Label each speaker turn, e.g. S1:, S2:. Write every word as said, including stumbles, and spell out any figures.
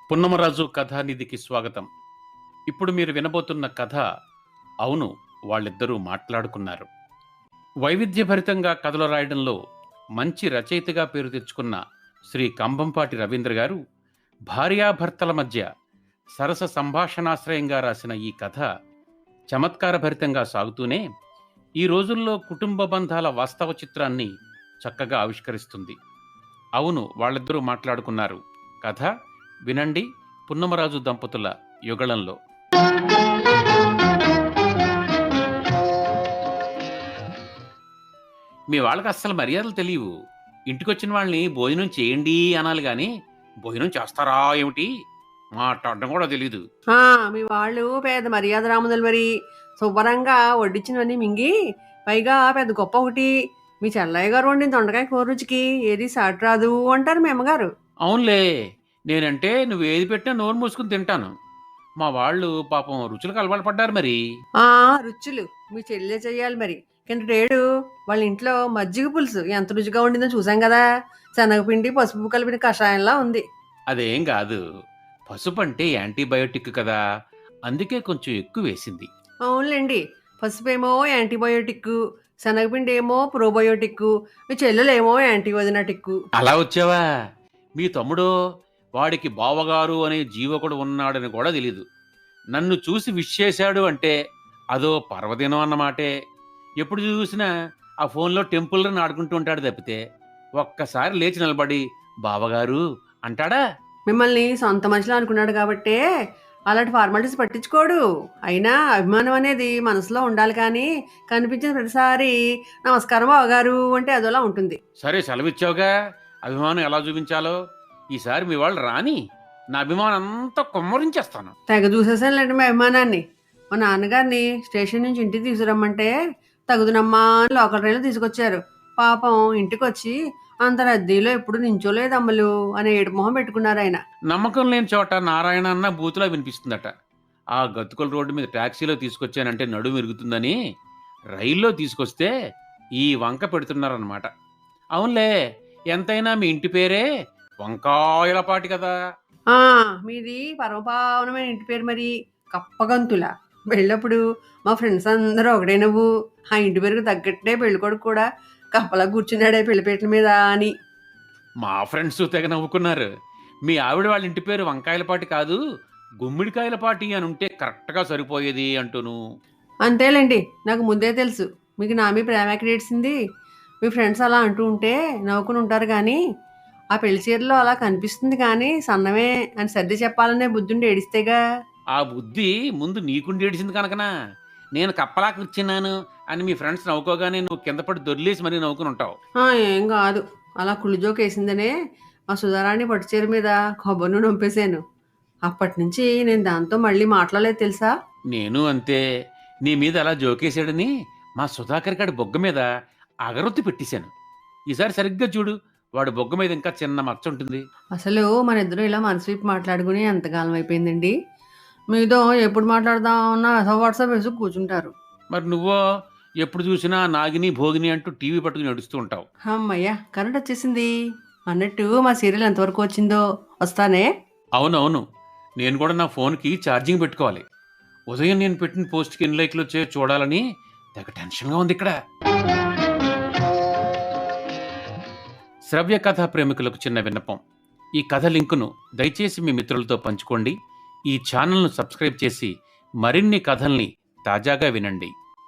S1: పున్నమరాజు కథానిధికి స్వాగతం. ఇప్పుడు మీరు వినబోతున్న కథ అవును వాళ్ళిద్దరూ మాట్లాడుకున్నారు. వైవిధ్యభరితంగా కథలు రాయడంలో మంచి రచయితగా పేరు తెచ్చుకున్న శ్రీ కంభంపాటి రవీంద్ర గారు భార్యాభర్తల మధ్య సరస సంభాషణాశ్రయంగా రాసిన ఈ కథ చమత్కారభరితంగా సాగుతూనే ఈ రోజుల్లో కుటుంబ బంధాల వాస్తవ చిత్రాన్ని చక్కగా ఆవిష్కరిస్తుంది. అవును వాళ్ళిద్దరూ మాట్లాడుకున్నారు కథ వినండి. పున్నమరాజు దంపతుల యుగళంలో. మీ వాళ్ళకి అస్సలు మర్యాదలు తెలియవు. ఇంటికొచ్చిన వాళ్ళని భోజనం చేయండి అనాలి గాని భోజనం చేస్తారా ఏమిటి మాట్లాడడం కూడా తెలీదు.
S2: ఆ, మీ వాళ్ళు పెద్ద మర్యాద రాముదలు మరి. శుభ్రంగా వడ్డించినవన్నీ మింగి పైగా పెద్ద గొప్ప ఒకటి మీ చెల్లయ్య గారు వండిన దొండకాయ కూర రుచికి ఏది సాటి రాదు అంటారు మీ అమ్మగారు.
S1: అవునులే, నేనంటే నువ్వు ఏది పెట్టినా నోరు మూసుకుని తింటాను. మా వాళ్ళు పాపం రుచులకు అలవాటు పడ్డారు మరి.
S2: ఆ రుచులు మీ చెల్లె చెయ్యాలి మరి. కిందటేడు వాళ్ళ ఇంట్లో మజ్జిగ పులుసు ఎంత రుచిగా వండిందో చూసాం కదా. శనగపిండి పసుపు కలిపిన కషాయంలా ఉంది.
S1: అదేం కాదు, పసుపు అంటే యాంటీబయోటిక్ కదా, అందుకే కొంచెం ఎక్కువ వేసింది.
S2: అవునులేండి, పసుపేమో యాంటీబయోటిక్, శనగపిండి ఏమో ప్రోబయోటిక్, మీ చెల్లెలేమో యాంటీవదినటిక్.
S1: అలా వచ్చావా? మీ తమ్ముడు వాడికి బావగారు అనే జీవకుడు ఉన్నాడని కూడా తెలీదు. నన్ను చూసి విష్ చేశాడు అంటే అదో పర్వదినం అన్నమాటే. ఎప్పుడు చూసినా ఆ ఫోన్లో టెంపుల్ రన్ ఆడుకుంటూ ఉంటాడు తప్పితే ఒక్కసారి లేచి నిలబడి బావగారు అంటాడా?
S2: మిమ్మల్ని సొంత మనుషులు అనుకున్నాడు కాబట్టే అలాంటి ఫార్మాలిటీస్ పట్టించుకోడు. అయినా అభిమానం అనేది మనసులో ఉండాలి, కానీ కనిపించిన ప్రతిసారి నమస్కారం బావగారు అంటే అదోలా ఉంటుంది.
S1: సరే సెలవిచ్చావుగా, అభిమానం ఎలా చూపించాలో ఈసారి మీ వాళ్ళు రాని నా అభిమానం అంతా కుమ్మరించేస్తాను.
S2: తెగ చూసేసానులేండి మీ అభిమానాన్ని. మా నాన్నగారిని స్టేషన్ నుంచి ఇంటికి తీసుకురమ్మంటే తగుదునమ్మా అని లోకల్ రైలు తీసుకొచ్చారు. పాపం ఇంటికి వచ్చి అంత రద్దీలో ఎప్పుడు నించోలేదు అమ్మలు అనే ఏడు మొహం పెట్టుకున్నారు ఆయన.
S1: నమ్మకం లేని చోట నారాయణ అన్న బూతులా వినిపిస్తుందట. ఆ గతుకుల రోడ్డు మీద ట్యాక్సీలో తీసుకొచ్చానంటే నడుము విరుగుతుందని రైల్లో తీసుకొస్తే ఈ వంక పెడుతున్నారన్నమాట. అవునులే, ఎంతైనా మీ ఇంటి పేరే వంకాయలపాటి కదా.
S2: ఆ మీది పరమపావనమైన ఇంటి పేరు మరి, కప్పగంతుల. వెళ్ళప్పుడు మా ఫ్రెండ్స్ అందరూ ఒకటే నువ్వు ఆ ఇంటి పేరుకు తగ్గట్టే పెళ్ళికొడుకు కూడా కప్పలా కూర్చున్నాడే పెళ్లిపేటల మీద అని.
S1: మా ఫ్రెండ్స్ తెగ నవ్వుకున్నారు. మీ ఆవిడ వాళ్ళ ఇంటి పేరు వంకాయలపాటి కాదు గుమ్మిడికాయలపాటి అని ఉంటే కరెక్ట్గా సరిపోయేది అంటూను.
S2: అంతేలేండి, నాకు ముందే తెలుసు మీకు నా మీ ప్రేమ ఎక్కడేసింది. మీ ఫ్రెండ్స్ అలా అంటూ ఉంటే నవ్వుకుని ఉంటారు, కానీ ఆ పెళ్లి చీరలో అలా కనిపిస్తుంది కానీ సన్నమే అని సర్ది చెప్పాలనే బుద్ధుండి ఏడిస్తేగా.
S1: ఆ బుద్ధి ముందు నీకుండి ఏడిసింది కనుకనా నేను కప్పలా కూర్చున్నాను అని మీ ఫ్రెండ్స్ నవ్వుకోగానే నువ్వు కింద పడి దొర్లేసి మరీ నవ్వుకుని ఉంటావు.
S2: ఆ, ఏం కాదు, అలా కుళ్ళుజోక్ వేసిందనే మా సుధారాణి పట్టుచీర మీద కొబ్బరిను నొంపేశాను. అప్పటి నుంచి నేను దాంతో మళ్ళీ మాట్లాడలేదు తెలుసా.
S1: నేను అంతే, నీ మీద అలా జోకేశాడని మా సుధాకర్ గారి బొగ్గ మీద అగరొత్తి పెట్టేశాను. ఈసారి సరిగ్గా చూడు, వాడు బొగ్గ మీద ఇంకా చిన్న మచ్చ ఉంటుంది.
S2: అసలు మన ఇద్దరు ఇలా మనసు మాట్లాడుకుని ఎంతకాలం అయిపోయిందండి. మీతో ఎప్పుడు మాట్లాడదామన్నా వాట్సాప్ వేసి కూర్చుంటారు.
S1: మరి నువ్వో ఎప్పుడు చూసినా నాగిని భోగిని అంటూ టీవీ పట్టుకుని నడుస్తూ ఉంటావు.
S2: అమ్మయ్యా, కరెంట్ వచ్చేసింది. అన్నట్టు మా సీరియల్ ఎంతవరకు వచ్చిందో వస్తానే.
S1: అవునవును, నేను కూడా నా ఫోన్కి ఛార్జింగ్ పెట్టుకోవాలి. ఉదయం నేను పెట్టిన పోస్ట్కి ఎన్ని లైక్లు వచ్చాయో చూడాలని తెగ టెన్షన్గా ఉంది ఇక్కడ. శ్రవ్య కథా ప్రేమికులకు చిన్న విన్నపం. ఈ కథ లింకును దయచేసి మీ మిత్రులతో పంచుకోండి. ఈ ఛానల్ను సబ్స్క్రైబ్ చేసి మరిన్ని కథల్ని తాజాగా వినండి.